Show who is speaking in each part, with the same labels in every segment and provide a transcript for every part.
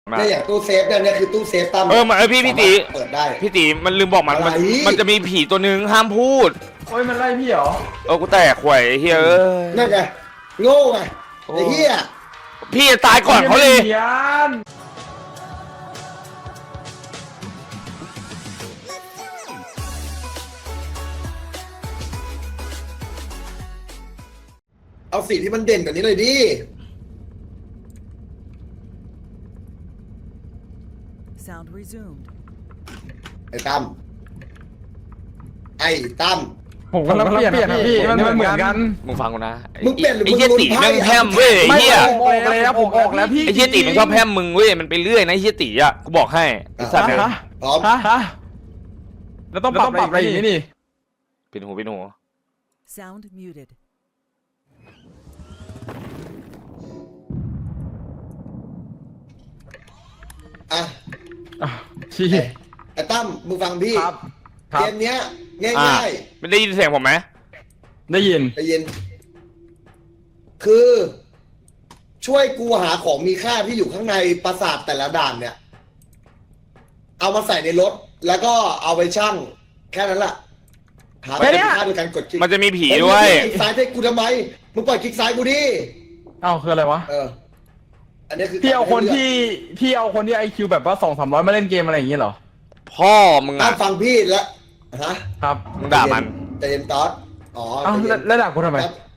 Speaker 1: เนี่ยอย่างตู้เซฟเนี่ยคือตู้เซฟตั้ม
Speaker 2: พี่ตี
Speaker 1: เปิดได้
Speaker 2: พี่ตีมันลืมบอกมันจะมีผีตัวหนึ่งห้ามพูด
Speaker 3: โอ้ยมันไล่พี่เหรอ
Speaker 2: กูแตกหวยเฮ้ย
Speaker 1: นั่นไงโง่ไงไอ้เหี้ย
Speaker 2: พี่ตายก่อนเขาเลย
Speaker 1: เอาสีที่มันเด่นกว่านี้เลยดิไอ้ตั้ม
Speaker 3: ผมก็เปลี่ยนนะพี่มันเหมือนกัน
Speaker 2: มึงฟังกูนะ
Speaker 1: มึงเปลี่ยนหรือ
Speaker 2: ไอ้เหี้ยตีแม่งแพมเว้ยไอ้เหี้ย
Speaker 3: ผมออกแล้วพี่
Speaker 2: ไอ้เหี้ยตีมันชอบแพมมึงเว้ยมันไปเรื่อยนะไอ้เหี้ยตีอ่ะกูบอกให้ไอ้สัตว์เนี่ย
Speaker 1: พร้อม
Speaker 3: แล้วต้องปรับอะไรอย่างนี้นี่
Speaker 2: ปิดหู
Speaker 4: Sound muted.
Speaker 3: ชี้
Speaker 1: ไอ้ตั้มมึงฟังพี่เกมเนี้ยง่าย
Speaker 2: ๆไม่ได้ยินเสียงผมไหม
Speaker 3: ได้ยิน
Speaker 1: คือช่วยกูหาของมีค่าที่อยู่ข้างในปราสาทแต่ละด่านเนี่ยเอามาใส่ในรถแล้วก็เอาไปชั่งแค่นั้นแหละหาเป็นค่าโดยการกดคลิก
Speaker 2: มันจะมีผีด้วย
Speaker 1: คลิกซ้ายให้กูทำไมมึงปล่อยคลิกซ้ายกูดิ
Speaker 3: เอ้าคืออะไรวะ
Speaker 1: อันนี้คือ
Speaker 3: พี่เอาคนที่IQ แบบว่า200-300มาเล่นเกมอะไรอย่างเงี้ยเหรอ
Speaker 2: พ่อมึงอ่ะ
Speaker 1: ฟังพี่แล้วฮะ
Speaker 3: ครับ
Speaker 2: มึงด่ามัน
Speaker 1: แต่เย็นตอส
Speaker 3: แล้วด่ากูทำไม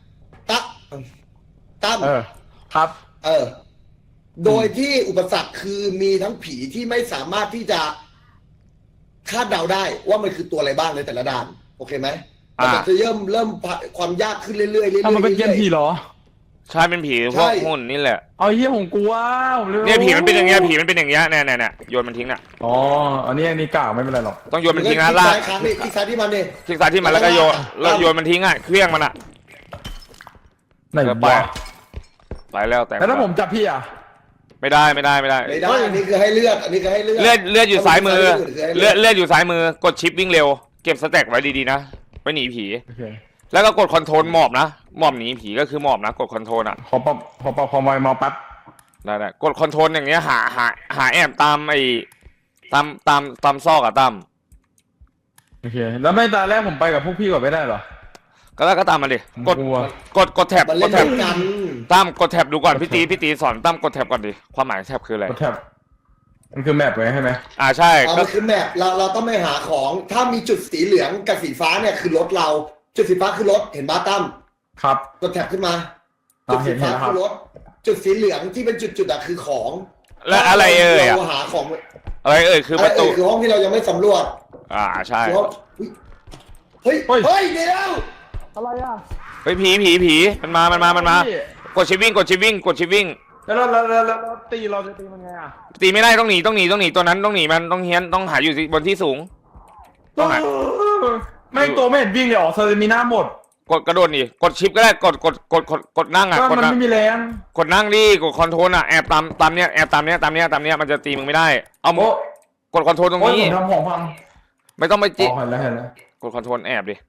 Speaker 1: ตั้ม
Speaker 3: ครับ
Speaker 1: โดยที่อุปสรรคคือมีทั้งผีที่ไม่สามารถที่จะคาดเดาได้ว่ามันคือตัวอะไรบ้างในแต่ละด่านโอเคไหมแต่จะเริ่มความยากขึ้นเรื่อยๆ
Speaker 3: มันเป็นเกมผีเหรอ
Speaker 2: ใช่เป็นผีพวกหุ่นนี่แหละ
Speaker 3: เอาเหี้ยผมกลัว
Speaker 2: เนี่ยผีมันเป็นอย่างเงี้ยเนี่ยโยนมันทิ้งน่ะ
Speaker 3: อ๋ออันนี้กล่าวไม่เป็นไรหรอก
Speaker 2: ต้องโยนมันทิ้งนะลาก
Speaker 1: คลิกซ้ายที่มันดิ
Speaker 2: คลิกซ้ายที่มันแล้วก็โยนมันทิ้งอ่ะเครื่องมันอ่ะ
Speaker 3: ไหน
Speaker 2: ไปแล้วแต่
Speaker 3: แล้วผมจับพี่อ่ะ
Speaker 1: ไม่ได้อันนี้คือให้เลือด
Speaker 2: เลือดอยู่ซ้ายมือเลือดอยู่ซ้ายมือกดชิปวิ่งเร็วเก็บสแต็กไว้ดีๆนะไว้หนีผีแล้วก็กดคอนโทรลหมอบนะหมอบหนีผีก็คือหมอบนะกดคอนโทรลอ่ะ
Speaker 3: พอมาปั๊บ
Speaker 2: ได้กดคอนโทรลอย่างเงี้ยหาแอบตามไอ้ตามซอกอะตั้ม
Speaker 3: โอเคแล้วไม่ตาแรกผมไปกับพวกพี่ก่อนไม่ได้หรอ
Speaker 2: ก็ตามมาดิกดแท็บตั้มกดแท็บดูก่อนพี่ตีสอนตั้มกดแท็บก่อนดิความหมายแท็บคืออะไร
Speaker 3: กดแท็บมันคือแมปไว้ใช่ไหม
Speaker 2: ใช่
Speaker 1: ก็คือแมปเราต้องไม่หาของถ้ามีจุดสีเหลืองกับสีฟ้าเนี่ยคือรถเราจุดสีฟ้าคือรถเห็นบ้าตั้ม
Speaker 3: ครับ
Speaker 1: กดแท็บขึ้นมาจุดสีฟ้าคือรถจุดสีเหลืองที่เป็นจุดอะคือของ
Speaker 2: และอะไร
Speaker 1: เราหาของ
Speaker 2: อะไรคือประตู
Speaker 1: คือห้องที่เรายังไม่สำรวจ
Speaker 2: ใช่
Speaker 1: เฮ้ยเดี๋ยว
Speaker 3: อะไรอ่ะ
Speaker 2: เฮ้ยผีมันมากดชิปวิ่ง
Speaker 3: แล้วตีเราจะตีมันไงอ่ะ
Speaker 2: ตีไม่ได้ต้องหนีตัวนั้นต้องหนีมันต้องเฮี้ยนต้องหาอยู่บนที่สูง
Speaker 3: ต้องหาไม่ตัวไม่เห็นวิ่งเลยเซอร์มิน่าหมด
Speaker 2: กระโดดดิกดชิปก็ได้กดนั่งอ่ะ
Speaker 3: มันไม่มีแรง
Speaker 2: กดนั่งดิกดคอนโทรลอ่ะแอบตามเนี้ยมันจะตีมึงไม่ได้เอากดคอนโทรลตรงนี้
Speaker 3: ทำของพัง
Speaker 2: ไม่ต้องไปจิ
Speaker 3: เห็นแล้ว
Speaker 2: กดคอนโทรลแอบดิ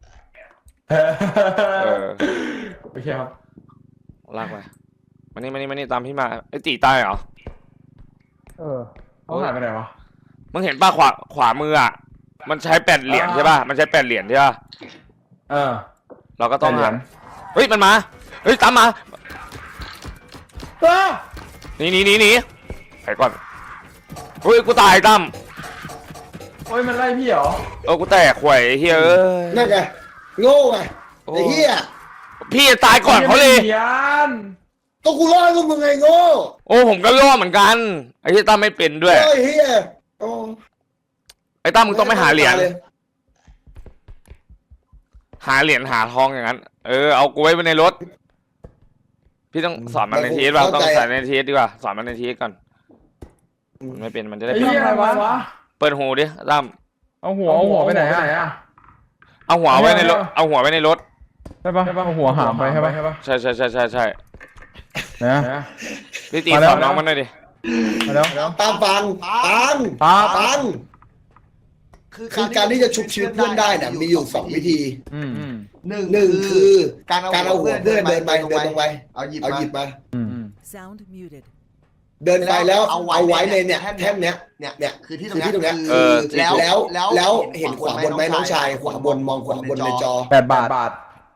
Speaker 3: โอเคครับ
Speaker 2: ลากไปมานี่ตามพี่มาไอ้ตีตายเหรอ
Speaker 3: เขาหายไปไหนวะ
Speaker 2: มึงเห็นป่ะขวามืออ่ะมันใช้8 เหรียญใช่ป่ะมันใช้8 เหรียญใช่ป่ะเราก็ต้องหันเฮ้ยมันมาเฮ้ยตามมาหนีไปก่อนเฮ้ยกูตายตั้ม
Speaker 3: โอ้ยมันไล่พี่เหรอ
Speaker 2: กูแตกหวยเฮ้ย
Speaker 1: นั่นไงโง่ไงไอ้เหี้ย
Speaker 2: พี่ตายก่อนเขาเลย
Speaker 1: ก็กูล่อกูมึงไงโง่
Speaker 2: ผมก็ล่อเหมือนกันไอ้ที่ตั้มไม่เป็นด้วย
Speaker 1: ไอ้เหี้ย
Speaker 2: ไอ้ตั้มมึงต้องไม่หาเหรียญหาทองอย่างนั้นเอากูไว้ในรถพี่ต้องสอนมันในทีเอสต้องสอนในทีเอสดีกว่าสอนมันในทีเอสก่อนไม่เป็นมันจะได้
Speaker 3: เป็นอะไรวะ
Speaker 2: เปิดหูดิตั้ม
Speaker 3: เอาหัวไปไหนอ่ะ
Speaker 2: เอาหัวไว้ในรถ
Speaker 3: ใช่ปะเอาหัวหามไปใช่ปะ
Speaker 2: ใช่
Speaker 3: นะ
Speaker 2: พี่ตีสอนน้องมันหน่อยดิ
Speaker 1: แล้วตามฟังคือการที่จะชุบชีวิตเพื่อนได้เนี่ยมีอยู่2 วิธีหนึ่งคือการเอาหัวเพื่อนเดินลงไปเอาหยิบมาเดินไปแล้วเอาไว้ในเนี่ยแท่นเนี้ย
Speaker 5: เนี่ยคือที่ตรง
Speaker 1: ที่ตรงเนี้
Speaker 5: เนี้
Speaker 1: ย
Speaker 5: ย
Speaker 1: แล้วเห็นขวาบนไหมน้องชายขวาบนมองขวาบนในจอ
Speaker 3: 8 บาท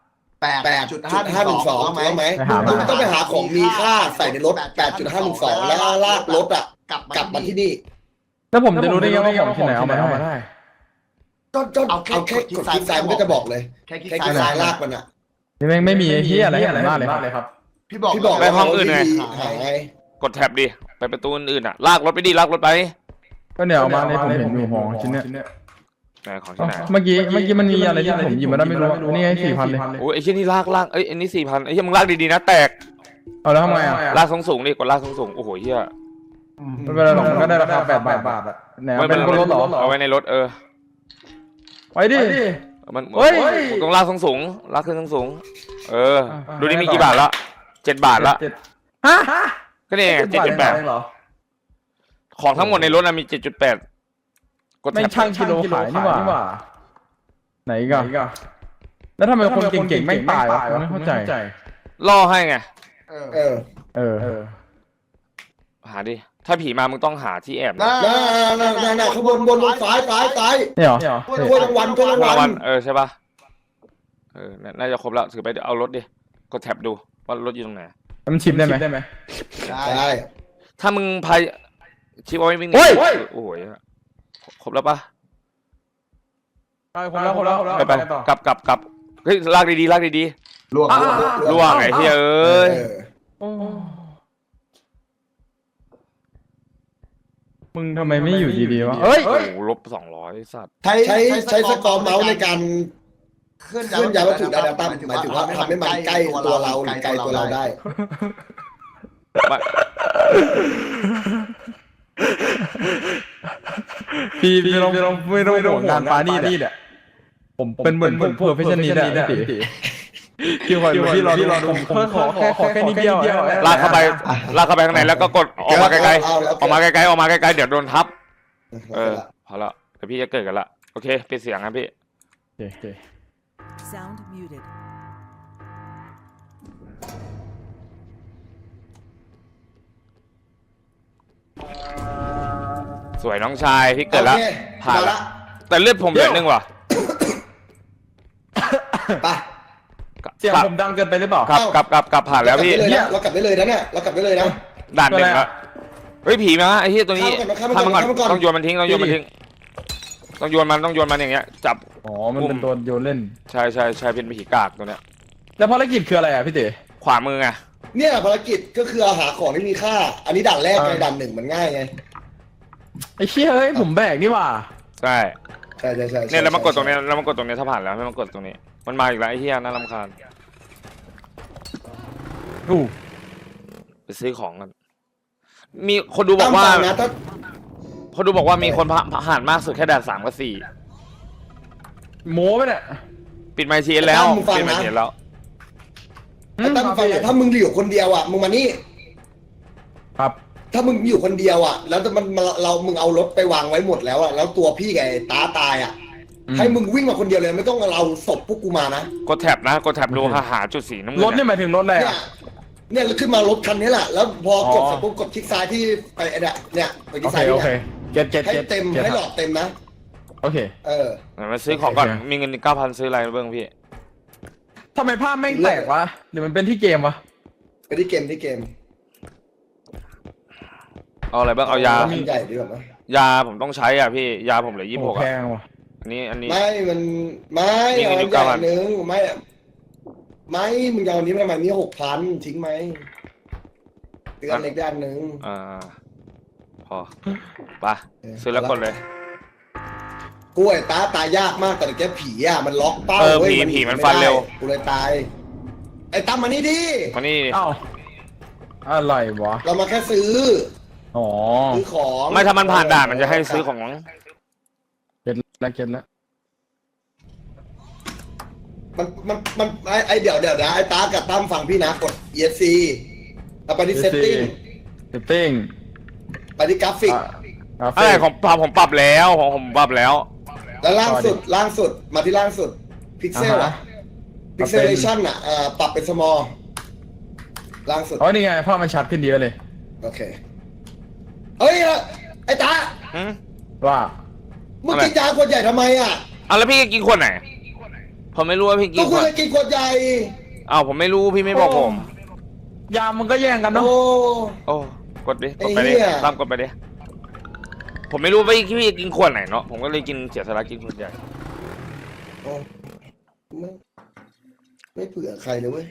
Speaker 1: 8.512ถูกต้องไหม
Speaker 3: ไปหามา
Speaker 1: มึงต้องไปหาของมีค่าใส่ในรถ 8.512 แล้วลากรถอ่ะกลับมาที่นี่
Speaker 3: แล้วผมจะรู้ได้ไงว่าของที่ไหนเอามาได้
Speaker 1: ก็เอาแค่กดคลิกซ้ายมันก็จะบอกเลย
Speaker 5: แค่คลิก
Speaker 1: แค่คลิกซ้ายลากมันอ่ะ
Speaker 3: นี่แม่งไม่มีไอ้เหี้ยอะไรให้มากเลยครับ
Speaker 5: พี่บอก
Speaker 1: พี่บอก
Speaker 2: ไปห้องอื่นไง
Speaker 1: หายไง
Speaker 2: กดแท็บดิไปประตูอื่นๆอ่ะลากรถไปดิลากรถไป
Speaker 3: ก็เนี่ยเอามาในผมเห็นอยู่ของชิ้นเนี้ย
Speaker 2: ไหนของที่ไหน
Speaker 3: เมื่อกี้มันมีอะไรที่ผมหยิบมาได้ไม่รู้นี่ไง4,000เลย
Speaker 2: โอ้ยไอ้เชี่ยนี่ลากเอ้ยอันนี้4,000ไอ้เชี่ยมึงลากดีๆนะแตก
Speaker 3: เอาแล้วทำไงอ่ะ
Speaker 2: ลากสูงๆดิกดลากสูงๆโอ้โหเฮีย
Speaker 3: ไม่เป็นไรหรอกมันก็ได้ราคา8 บาทอ่ะไหนเป็นคนรถเหรอ
Speaker 2: เอาไว้ในรถ
Speaker 3: ไปดิ
Speaker 2: มัน
Speaker 3: เฮ้ย
Speaker 2: มึงต้องลากสูงๆลากขึ้นสูงๆดูนี่มีกี่บาทละ7 บาทละ
Speaker 3: ฮะ
Speaker 2: ก็นี่ไง 7.8
Speaker 3: เหรอ
Speaker 2: ของทั้งหมดในรถมี 7.8 กด
Speaker 3: ไม่
Speaker 2: แท็บ
Speaker 3: ช่างกิโลขายนี่หว่าไหนกันแล้วทำไมคนเก่งๆไม่ตายวะไม่เข้าใจ
Speaker 2: ล่อให้ไง
Speaker 1: เออ
Speaker 2: หาดิถ้าผีมามึงต้องหาที่แอบนะ
Speaker 1: น่าข้างบนซ้าย
Speaker 3: นี่เหรอ
Speaker 1: ถ้วยรางวัล
Speaker 2: ใช่ป่ะน่าจะครบแล้วถือไปเดี๋ยวเอารถดิกดแท็บดูว่ารถอยู่ตรงไหน
Speaker 3: มันชิปได้ไหม
Speaker 1: ได้
Speaker 2: ถ้ามึงพายชิปเอาไว้วิ่ง
Speaker 3: โอ้ย
Speaker 2: โอ้โหครบแล้วป่ะ
Speaker 3: คนแล้ว
Speaker 2: ไปกลับเฮ้ยลากดี
Speaker 5: ล่วง
Speaker 2: ๆล่วงไอ้เฮ้ยเอ้ย
Speaker 3: มึงทำไมไม่อยู่ดีๆวะเฮ้ย
Speaker 2: โอ้โหลบ200สัตว์
Speaker 1: ใช้สกอร์เมาส์ในการ
Speaker 5: เคลื่อน
Speaker 1: เคลื่อนย้ายวัตถุได้ตั้มหมายถึงว่าทำให้มันใกล้ตัวเราหรือไกลตัวเราได้
Speaker 3: พี่ไม่ต้องห่วงงานปานี่เนี่ยผมเป็นเหมือนเพอร์เฟชชั่นนี้นะพี่คิวคอยพี่รอผมขอแค่นิดเดียว
Speaker 2: ลากเข้าไปข้างในแล้วก็กดออกมาไกลๆออกมาไกลๆเดี๋ยวโดนทับพอละเดี๋ยวพี่จะเกิดกันละโอเคปิดเสียงครับพี่
Speaker 4: Sound muted.
Speaker 2: สวยน้องชายพี่เกิดแล้ว
Speaker 1: โอเค
Speaker 2: ผ่าน
Speaker 1: มา
Speaker 2: ละ
Speaker 1: ละ
Speaker 2: แต่เลือดผมเหลือ1ว่ะ
Speaker 1: ไป
Speaker 3: เสียงผมดังเกินไปหรือเปล่า
Speaker 2: กลับผ่านแล้วพี่
Speaker 1: เรากลับได้เลยนะเนี่ยเรากลับได้เลยนะ
Speaker 2: ด่าน1แล้วเฮ้ยผีมาไอ้เหี้ยตัวนี้
Speaker 1: ข้ามมันก่อน
Speaker 2: ต้องโยนมันทิ้งต้องโยนมันอย่างเงี้ยจับ
Speaker 3: อ๋อมันเป็นตัวโยนเล่น
Speaker 2: ใช่เป็นผีกากตัวเนี้ย
Speaker 3: แล้วภารกิจคืออะไรอ่ะพี่เต๋
Speaker 2: ขวามือไง
Speaker 1: เนี่ยภารกิจก็คือหาของที่มีค่า อันนี้ด่านแรกไงด่าน1มันง่ายไง
Speaker 3: ไอ้เชี่ยเฮ้ยผมแบกนี่หว่า
Speaker 2: ใช่
Speaker 1: ใช่
Speaker 2: เนี่ยแล้วมากดตรงนี้ถ้าผ่านแล้วให้มันกดตรงนี้มันมาอีกแล้วไอ้เหี้ยน่ารำคาญไปซื้อของกันมีคนดูบอกว่ามีคนผ่านมากสุดแค่ด่าน3 กับ 4
Speaker 3: โม้ไปเนี่ย
Speaker 2: ปิดไมค์ทีแล้วปิดไมค์ทีแล้ว
Speaker 1: ไอ้ตั้มฟังนะถ้ามึงอยู่คนเดียวอ่ะมึงมานี่
Speaker 3: ครับ
Speaker 1: ถ้ามึงอยู่คนเดียวอ่ะแล้วมึงเอารถไปวางไว้หมดแล้วอ่ะแล้วตัวพี่กับไอ้ตาตายอ่ะให้มึงวิ่งมาคนเดียวเลยไม่ต้องเอาศพพวกกูมานะ
Speaker 2: กดแท็บดูหาจุดสีน้ำเงิน
Speaker 3: รถนี่หมายถึงรถอะไร
Speaker 1: เนี่ย
Speaker 3: อ่ะ
Speaker 1: เนี่ยขึ้นมารถคันนี้แหละแล้วพอกดเสร็จปุ๊บกดคลิกซ้ายที่ไปเนี่ยไปคลิกซ้าย
Speaker 3: โอ
Speaker 1: เนี่ย
Speaker 3: เคเก็ต
Speaker 1: ให้เต็มให้หลอดเต็มนะ
Speaker 3: โอเค
Speaker 2: มาซื้อของก่อนมีเงิน 9,000 ซื้ออะไรเบิ้งพี่
Speaker 3: ทำไมภาพแม่งแตกวะหรือมันเป็นที่เกมวะ
Speaker 1: ไปที่เกม
Speaker 2: เอาอะไรบ้างเอายา
Speaker 1: มันใหญ่ดีกว่าไหม
Speaker 2: ยาผมต้องใช้อ่ะพี่ยาผมเหลือ26
Speaker 3: แพ
Speaker 2: อ่ะ
Speaker 3: งว่ะ
Speaker 2: อันนี้
Speaker 1: ไม่เอาอย่างนึงไม่มึงเอาอันนี้ไปทำไมนี่6,000ทิ้งไหมเตือนเล็กด้านนึง
Speaker 2: พอไปซื้อแล้วกดเลย
Speaker 1: กล้วยตายยากมากแต่แกผีอ่ะมันล็อกเป้า
Speaker 2: ผีมันฟันเร็ว
Speaker 1: กูเลยตายไอ้ตั้มมานี่ดิ
Speaker 2: มานี่
Speaker 3: อ้าวอะไรวะ
Speaker 1: เรามาแค่ซื้อ
Speaker 3: อ๋อ
Speaker 1: ซื้อของ
Speaker 2: ไม่ถ้ามันผ่านด่านมันจะให้ซื้อของ
Speaker 3: เก็ตแล้ว
Speaker 1: มันไอเดี๋ยวนะไอ้ตากับตั้มฟังพี่นะกด ESC แล้วไปที่ setting ไปที่กราฟิก
Speaker 2: อะไรของผมปรับแล้วผมปรับแล้ว
Speaker 1: แล้วล่างสุดมาที่ล่างสุดพิกเซลอะพิกเซเลชันอะปรับเป็น small ล่างสุด
Speaker 3: อ๋อนี่ไงภาพมันชัดขึ้นเยอะเลย
Speaker 1: โอเคเฮ้ยไอ้ตา
Speaker 2: หืม
Speaker 3: ว่า
Speaker 1: มึงกินยาขวดใหญ่ทำไมอ่ะ
Speaker 2: เอาแล้วพี่กินขวดไหนผมไม่รู้ว่าพี่กิ
Speaker 1: ก็
Speaker 2: นข
Speaker 1: คุ
Speaker 2: ว
Speaker 1: ณ
Speaker 2: ด
Speaker 1: จะกินขวดใหญ่
Speaker 2: อ้าวผมไม่รู้พี่ไม่บอกผม
Speaker 3: ยามมันก็แย่งกันเนาะ
Speaker 1: โอ้
Speaker 2: โอ้กดดิกดไป
Speaker 1: ไอ้
Speaker 2: ดิ
Speaker 1: เหี้ย
Speaker 2: ตามกดไปดิผมไม่รู้ว่าพี่กินขวดไหนเนาะผมก็เลยกินเสียสละกินขวดใหญ่
Speaker 1: โอ้ไม่เผื่อใครเลยเว้ย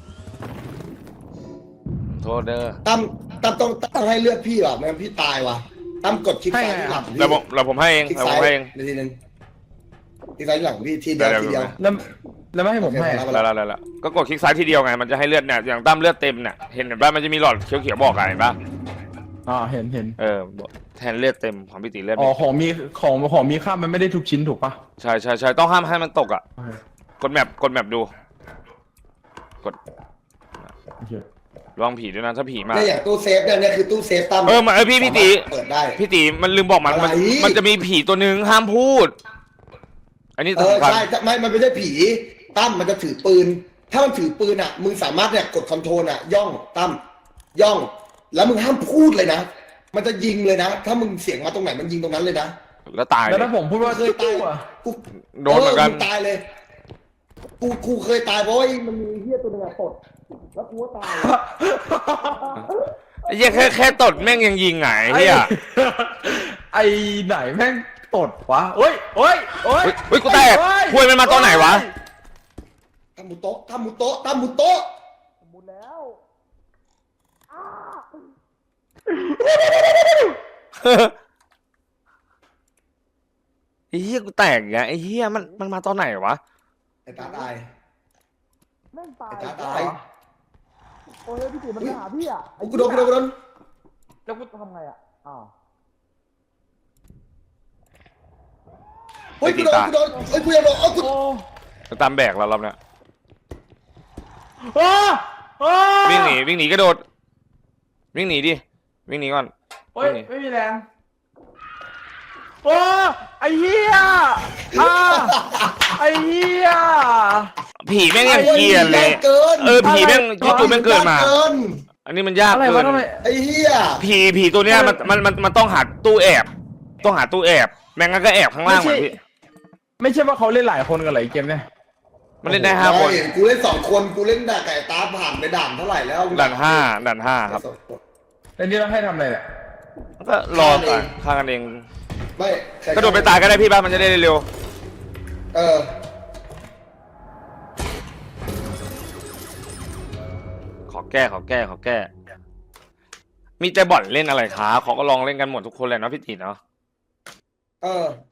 Speaker 2: โทษเด้อ
Speaker 1: ตั้มต้องให้เลือดพี่ว่ะไม่งั้นพี่ตายว่ะตั้มกดคลิกซ้ายที่หลังพี่
Speaker 2: เราผมให้เอง
Speaker 1: คลิก
Speaker 2: เราผ
Speaker 1: ซ้าย
Speaker 2: มให้เอง
Speaker 1: นาทีนึงคลิกซ้ายที่หลังพี่ทีเดียวทีเดียว
Speaker 3: แล้วไม่ให้ผมให้
Speaker 1: โอเค
Speaker 2: แล้วก็กดคลิกซ้ายทีเดียวไงมันจะให้เลือดเนี่ยอย่างตั้มเลือดเต็มเนี่ยเห็นป่ะมันจะมีหลอดเขียวๆบอกอะเห็นป่ะ
Speaker 3: เห็น
Speaker 2: แทนเลือดเต็มของพี่ตีเลือด
Speaker 3: อ๋อของมีค่ามันไม่ได้ทุกชิ้นถูกปะ
Speaker 2: ใช่ต้องห้ามให้มันตกอ่ะกดแมปดูลองผีด้วยนะถ้าผีมา
Speaker 1: เนี่ยอย่างตู้เซฟเนี่ยคือตู้เซฟตั้ม
Speaker 2: พี่ตี
Speaker 1: เปิดได้
Speaker 2: พี่ตีมันลืมบอกมัน
Speaker 1: อะไร
Speaker 2: มันจะมีผีตัวหนึ่งห้ามพูด อันนี้สำคัญ
Speaker 1: ใช่มันไม่ใช่ผีตั้มมันจะถือปืน ถ้ามันถือปืนอ่ะมึงสามารถเนี่ยกดคอนโทรลอ่ะย่องตั้มย่อง แล้วมึงห้ามพูดเลยนะมันจะยิงเลยนะ ถ้ามึงเสียงมาตรงไหนมันยิงตรงนั้นเลยนะ
Speaker 2: แล้วตาย
Speaker 3: แล้ว
Speaker 2: เล
Speaker 3: ถ้ายผมพูดว่า
Speaker 1: เคยตาย กู
Speaker 2: โดนเหมือนกัน
Speaker 1: ตายเลยกูเคยตายเพราะว่ามันมีเหี้ยตัวหนึงอะตดแล้วกูก็ตาย
Speaker 2: ไอ้เหี้ยแค่ตดแม่งยังยิงไงเฮีย
Speaker 3: ไอ้ไหนแม่งตดวะเฮ้ย
Speaker 2: เฮ้ยกูแตกคุยมันมาตอนไหนวะ
Speaker 1: ทำหมูโต๊ะทำหมูโต๊ะทำหมูโต๊ะ
Speaker 2: ไอ้เหี้ยกูแตกอย่างเงี้ยไอ้เหี้ยมันมาตอนไหนวะ
Speaker 1: ไอ้ตาตาย
Speaker 3: แม่งตาย
Speaker 1: ไอ้ตาตาย
Speaker 3: โอ้ยพี่ติ๋มมันมาหาพี่อ่ะ
Speaker 1: กูโดน
Speaker 3: แล้วกูทำไงอ่ะ
Speaker 1: เฮ้ยกูโดนเฮ้ยกูยังโดนกู
Speaker 2: ตามแบกเรารอบเนี้ย
Speaker 3: โอ้
Speaker 2: วิ่งหนีกระโดดวิ่งหนีดิวิ่งหนีก่อน
Speaker 3: โอ้ยไม่มีแรงโอ้ไอ้เหี้ยไอ้เหี้ย
Speaker 2: ผีแม่งยังเกลียนเลย
Speaker 1: เกิน
Speaker 2: ผีแม่งจู่ๆแม่งเกิดมา อันนี้มันยาก
Speaker 3: อะไร
Speaker 2: เกิ
Speaker 3: วะ
Speaker 2: น
Speaker 3: ทำไม
Speaker 1: ไอ้เหี้ย
Speaker 2: ผีตัวเนี้ยมันต้องหาตู้แอบต้องหาตู้แอบแม่งนก็แอบข้างล่างเหมือนพี่
Speaker 3: ไม่ใช่ว่าเขาเล่นหลายคนกันเหรอไอ้เกมเนี่ย
Speaker 2: มันเล่นได้5 คน
Speaker 1: กูเล่น2 คนกูเล่นด่าไก่ตาผ่านไปด่านเท่าไหร่แล้ว
Speaker 2: ด่าน5ครับ
Speaker 3: แล้วนี่เราให้ทำอะไรเนี่ย
Speaker 2: ก็รอก่อนฆ่ากันเอง
Speaker 1: ไม่
Speaker 2: กระโดดไปตายก็ได้พี่บ้านมันจะได้เร็ว ขอแก้มีแต่บ่อนเล่นอะไรคะเขาก็ลองเล่นกันหมดทุกคนเลยเนาะพี่ตีเนาะ
Speaker 1: เออ